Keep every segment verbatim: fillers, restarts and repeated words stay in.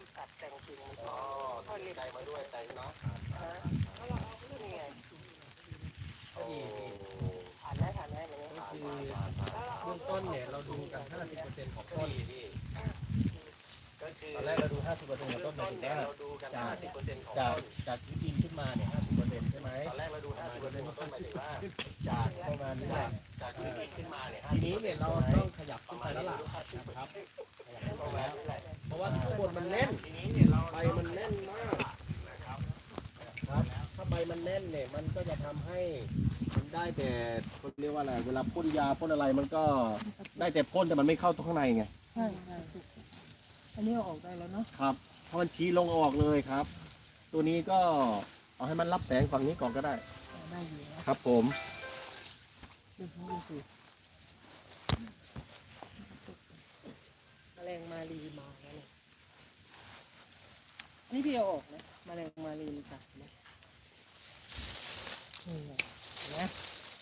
ตัดแต่งกิ่งมันอ๋อใจมาด้วยใจเนาะแล้วเราเอานี่ไงโอ้ผ่านได้ผ่านได้แบบนี้ก็คือเบื้องต้นเนี่ยเราดูกัน ห้าสิบเปอร์เซ็นต์ ของต้นพี่ก็คือตอนแรกเราดู ห้าสิบเปอร์เซ็นต์ ของต้นหมายถึงว่าเราดูกันจากห้าสิบเปอร์เซ็นต์ของจากต้นจากที่ดินขึ้นมาเนี่ย ห้าสิบเปอร์เซ็นต์ ใช่ไหมตอนแรกเราดู ห้าสิบเปอร์เซ็นต์ ของต้นหมายถึงว่าจากประมาณนี้จากจากที่ดินขึ้นมาเนี่ยทีนี้เนี่ยเราต้องขยับขึ้นไปแล้วล่ะห้าสิบเปอร์ครับเซ็นต์ขยับขึ้นไปแล้ว เพราะว่าข้างบนมันแน่นทีนี้เนี่ยเราใบมันแน่นมากนะครับถ้าใบมันแน่นเนี่ยมันก็จะทำให้มันได้แต่เขาเรียกว่าอะไรเวลาพ่นยาพ่นอะไรมันก็ได้แต่พ่นแต่มันไม่เข้าตรงข้างในไงใช่ใช่อันนี้เอาออกได้แล้วเนาะครับเพราะมันชี้ลงออกเลยครับ ตัวนี้ก็เอาให้มันรับแสงฝั่งนี้ก่อนก็ได้ได้อยู่นะครับผมดูดูสิแมลงมารีมาแล้วเนี่ยอันนี้พี่เอาออกนะแมลงมารีมันกัดนะนี่แหละเห็นะ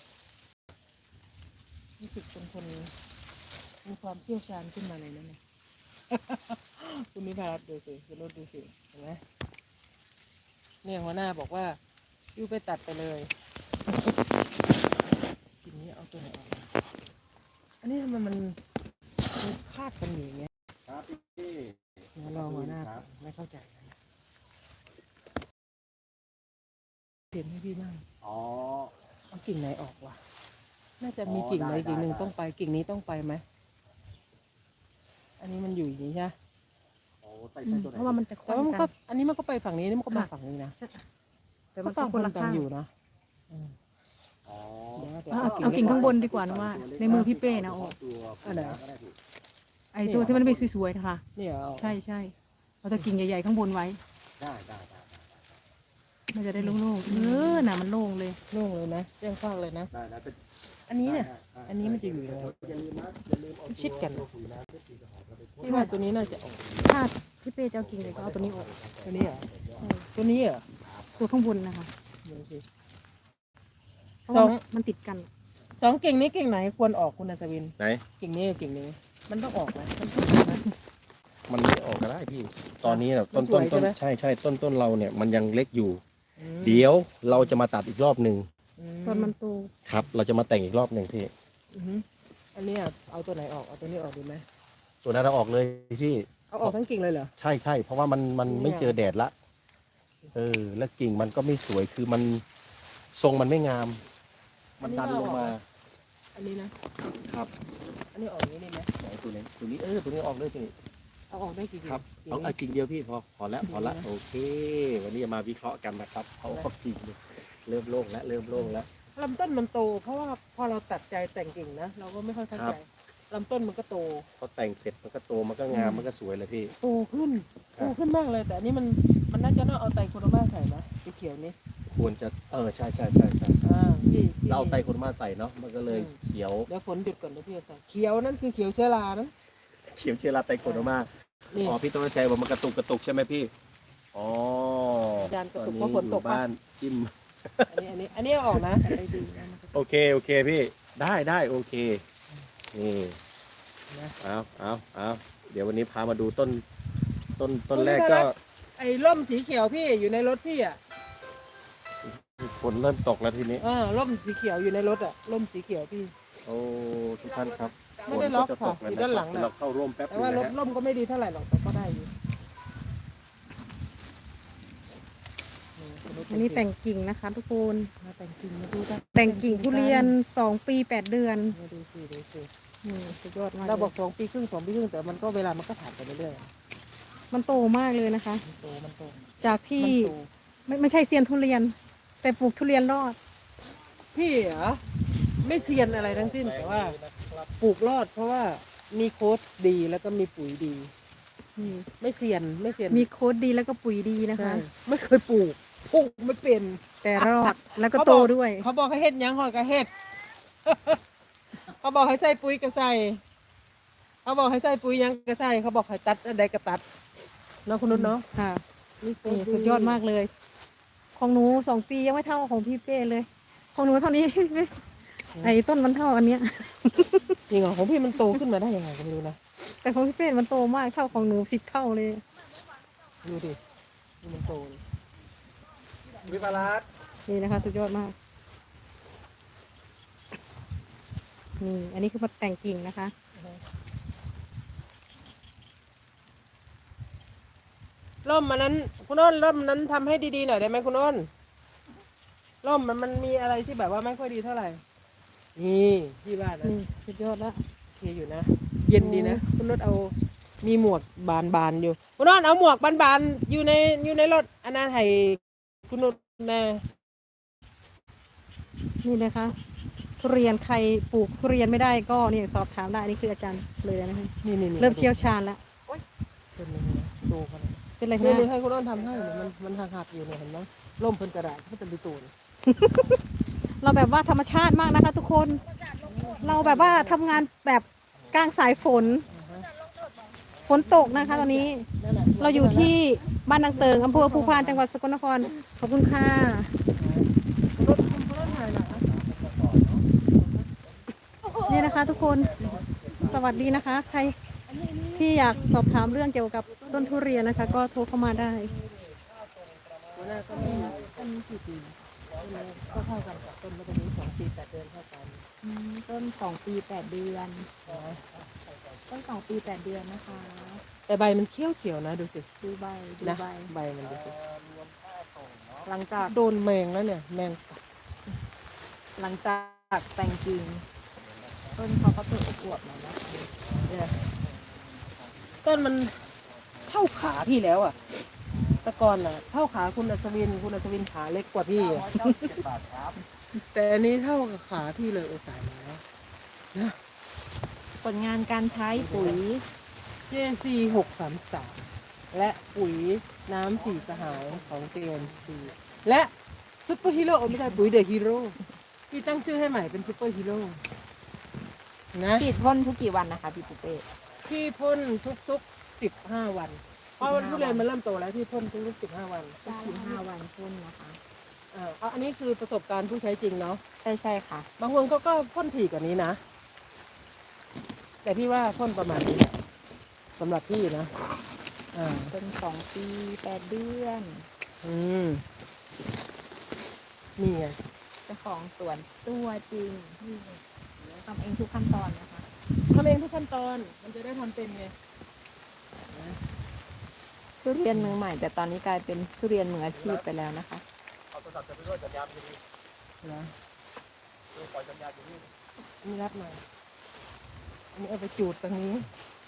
รู้สึกเป็นคนมีความเชี่ยวชาญขึ้นมาเลยนะเนี่ย คุณนิพารัตน์ดูสิคุณรถดูสิเห็นไหมเนี่ยหัวหน้าบอกว่ายูไปตัดไปเลยทีนี้เอาตัวไหนออกมาอันนี้ทำไมมันมันคาดกันอยู่อย่างเงี้ยครับพี่เดี๋ยวรอหัวหน้าก่อนไม่เข้าใจนะเปลี่ยนให้พี่บ้างอ๋อเอากิ่งไหนออกวะน่าจะมีกิ่งไหนกิ่งหนึ่งต้องไปกิ่งนี้ต้องไปไหมอันนี้มันอยู่อย่างนี้ใช่ไหมโอ้ใส่ใส่ตัวไหนเพราะว่ามันจะแต่ว่ามันก็อันนี้มันก็ไปฝั่งนี้นี่มันก็มาฝั่งนี้นะแต่มันก็ก็คนละกันข้างอยู่นะอืมอ๋อเดี๋ยวเดี๋ยวเอาเอากิ่งข้างบนดีกว่านะว่า ในมือพี่เป้นะโอ้ตัวอันไหนก็ได้พี่ไอตัวที่มันไม่สวยๆนะคะนี่เหรอใช่ใช่เราจะกิ่งใหญ่ๆข้างบนไว้ได้ได้ได้มันจะได้โล่งๆเออน่ะมันโล่งเลยโล่งเลยนะแจ้งฟากเลยนะได้ได้เป็นอันนี้เนี่ยได้ได้อันนี้มันจะอยู่ยังไงอย่าลืมนะอย่าลืมเอาชิดกันตัวปุ๋ยน้ำที่ตีกระหอบเราไปพ่นพี่ว่าตัวนี้น่าจะออกถ้าพี่เป้จะเอากิ่งเลยก็เอาตัวนี้ออกตัวนี้เหรอตัวนี้เหรอตัวข้างบนนะคะเดี๋ยวสิเพราะสอว่าง มันติดกันสองกิ่งนี้กิ่งไหนควรออกคุณอัศวินไหนกิ่งนี้กับกิ่งนี้ มันต้องออกไหมมันต้องออกไหมมันไม่ออกก็ได้พี่ ตอนนี้เนี่ยมัต้นนสวยต้นใช่ไหมต้นใช่ใช่ต้นต้นเราเนี่ยมันยังเล็กอยู่อืมเดี๋ยวเราจะมาตัดอีกรอบหนึ่งอืมตอนมันโตครับ เราจะมาแต่งอีกรอบหนึ่งพี่อือหืออันนี้อะเอาตัวไหนออกเอาตัวนี้ออกดีไหมตัวนั้นเราออกเลยพี่เอาออกทั้งกิ่งเลยเหรอใช่ใช่เพราะว่ามันมันเนี่ยไม่เจอแดดละ เออ แล้วกิ่งมันก็ไม่สวยคือมันทรงมันไม่งาม มันดันลงมาอันนี้นะครับ อันนี้ออกอย่างนี้ได้ไหมไหนตัวนี้ตัวนี้เออตัวนี้ออกเลยพี่เอาออกได้กี่กิ่งครับกิ่งเอานี้เอากิ่งเดียวพี่พอพอแล้วพอละกิ่งเดียวนะโอเค วันนี้จะมาวิเคราะห์กันนะครับเอาเอากิ่งเดียวเริ่มโล่งแล้วเริ่มโล่งแล้วลำต้นมันโต เพราะว่าพอเราตัดใจแต่งกิ่งนะเราก็ไม่ค่อยเข้าครัใจบลำต้นมันก็โตพอแต่งเสร็จมันก็โตมันก็งามมันก็สวยเลยพี่โตขึ้นครัโตบขึ้นมากเลย แต่อันนี้มันมันน่าจะน่าเอาไตรโคโรมาใส่นะสีเขียวนี้ควรจะเออใช่ใช่ใช่ใช่ใช่อ่าพี่พี่เราเอาไตรโคนมาใส่เนาะมันก็เลยอืมเขียวเดี๋ยวฝนหยุดก่อนเดี๋ยวพี่จะใส่เขียวนั่นคือเขียวเชื้อรานะเขียวเชื้อราไตรโคนมานี่อ๋อพี่ต้องใจว่ามันกระตุกกระตุกใช่ไหมพี่อ๋อจานกระตุกตเพราะฝนตกอยู่บ้านจิ้มอันนี้อันนี้อันนี้เอาออกนะได้ดีนะมันก็โอเคโอเคพี่ได้ได้โอเคนี่นะเอาเอาเอาเดี๋ยววันนี้พามาดูต้นต้นต้นแรกก็ไอ้ร่มสีเขียวพี่อยู่ในรถพี่อ่ะฝนเริ่มตกแล้วทีนี้เออร่มสีเขียวอยู่ในรถอ่ะร่มสีเขียวพี่โอ้ทุกท่านครับไม่ได้ล็อกฝนจะตค่ะแล้วอยู่ด้านหลังนะน่ะเราเข้าร่วมแป๊บแต่นึงว่านะร่มฮะร่มก็ไม่ดีเท่าไหร่หรอกแต่ก็ได้อยู่อันนี้แต่งกิ่งนะคะทุกคนมาแต่งกิ่งมาดูกันแต่งกิ่งทุเรียนสองปีแปดเดือนมาดูสิดูสินี่สุดยอดมากเราเลยบอกสองปีครึ่งสองปีครึ่งแต่มันก็เวลามันก็ผ่านไปเรื่อยมันโตมากเลยนะคะๆมันโตมันโตจากมัที่นโตไม่ไม่ใช่เซียนทุเรียน แต่ปลูกทุเรียนรอดพี่เหรอไม่เซียนอะไรทั้งสิ้นแต่ว่าปลูกรอด เพราะว่ามีโค้ดดีแล้วก็มีปุ๋ยดีนี่ไม่เซียนไม่เซียนมีโค้ดดีแล้วก็ปุ๋ยดีนะคะใช่ไม่เคยปลูกปลูกไม่เป็นแต่รอดแล้วก็เขาบอกโตด้วยเขาบอกให้เฮ็ดหยังหอยก็เฮ็ด เขาบอกให้ใส่ปุ๋ยก็ใส่เขาบอกให้ใส่ปุ๋ยหยังก็ใส่เขาบอกให้ตัดอะไรก็ตัดเนาะคุณนุชเนาะค่ะนี่นี่สุดยอดมากเลย ของหนูสองปียังไม่เท่าของพี่เป้เลย ของหนูเท่านี้ ไอ้ต้นมันเท่าอันเนี้ยจริงเหรอของพี่มันโตขึ้นมาได้ยังไงก็ไม่รู้นะแต่ของพี่เป้มันโตมากเท่าของหนูสิบเท่าเลยดูดิดูมันโตเลยวิปลาสนี่นะคะสุดยอดมากนี่อันนี้คือมาแต่งกิ่งนะคะร่มมันนั้นคุณอ้นร่มนั้นทำให้ดีๆหน่อยได้ไหมคุณอ้นร่มมันมันมีอะไรที่แบบว่าไม่ค่อยดีเท่าไหร่นี่ที่บ้านนะนี่สุดยอดแล้วโอเคอยู่นะ เย็นดีนะคุณรถเอามีหมวกบานบานๆอยู่คุณนอนเอาหมวกบานบานๆอยู่ในอยู่ในรถอันนั้นให้คุณนนนะนี่นะคะทุเรียนใครปลูกทุเรียนไม่ได้ก็นี่สอบถามได้นี่คืออาจารย์เลยนะคะนี่นี่เริ่มเชี่ยวชาญแล้วเป็นยังไงดูเขาเลยเป็นไรนี่คะนี่ให้คุณนอนทำให้เนี่ยมันมันหักๆอยู่เนี่ยเห็นไหมร่มเพิ่นกระดาษมันจะมีตูนเราแบบว่าธรรมชาติมากนะคะ ทุกคน เราแบบว่าทำงานแบบกลางสายฝน ฝนตกนะคะตอนนี้นั่นแหละเราอยู่ที่บ้านนางเติงอำเภอภูพานจังหวัดสกลนครขอบคุณค่ะรถคุณรถถ่ายหน่อยนะนี่นะคะ ทุกคนสวัสดีนะคะ ใครที่อยากสอบถามเรื่องเกี่ยวกับต้นทุเรียนนะคะ ก็โทรเข้ามาได้หัวหน้าก็มีต้นกี่ปีก็เท่ากันกับต้นมันจะมีสองปีแปดเดือนเท่ากันอืมต้นสองปีแปดเดือน ต้นสองปีแปดเดือนนะคะแต่ใบมันเขียวเขียวๆนะดูสิดูใบดูนะใบใบมันดูสิหลังจากโดนแมงแล้วเนี่ยแมงกัดหลังจากแต่งกิ่งต้นเขาก็เปิดอวบๆหน่อยนะคะเนี่ยต้นมันเท่าขาพี่แล้วอ่ะแตะกอนอ่ะ เท่าขาคุณอัศวินคุณอัศวินขาเล็กกว่าพี่อะแต่อันนี้เท่ากับขาพี่เลยโอ้ตายแล้วผลงานการใช้ปุ๋ยเจซีหกสามสามและปุ๋ยน้ำสีสหายของเจนซีและซุปเปอร์ฮีโร่ไม่ใช่ปุ๋ยเดอะฮีโร่พี่ตั้งชื่อให้ใหม่เป็นซุปเปอร์ฮีโร่นะฉีดพ่นทุกกี่วันนะคะพี่ปุเป้พี่พ่นทุกๆสิบห้าวันเพราะวันทุเรียนมันเริ่มโตแล้วพี่พ่นทุกๆสิบห้าวันทุกสิบห้าวันพ่นนะคะอ่าเอาอันนี้คือประสบการณ์ผู้ใช้จริงเนาะใช่ใช่ค่ะบางคนก็ก็พ่นถี่กว่านี้นะ แต่พี่ว่าพ่นประมาณนี้แหละสำหรับพี่นะอ่าต้นสองปีแปดเดือนอืมนี่ไงเจ้าของสวนตัวจริงทำเองทุกขั้นตอนนะคะทำเองทุกขั้นตอน มันจะได้ทำเป็นไงทุเรียนมือใหม่ แต่ตอนนี้กลายเป็นทุเรียนมืออาชีพไปแล้วนะคะเอาโทรศัพท์จะไปด้วยสัญญาณจะดีนะดูปล่อยสัญญาณอยู่นี่นี่รับหน่อยอันนี้เอาไปจูดตรงนี้เ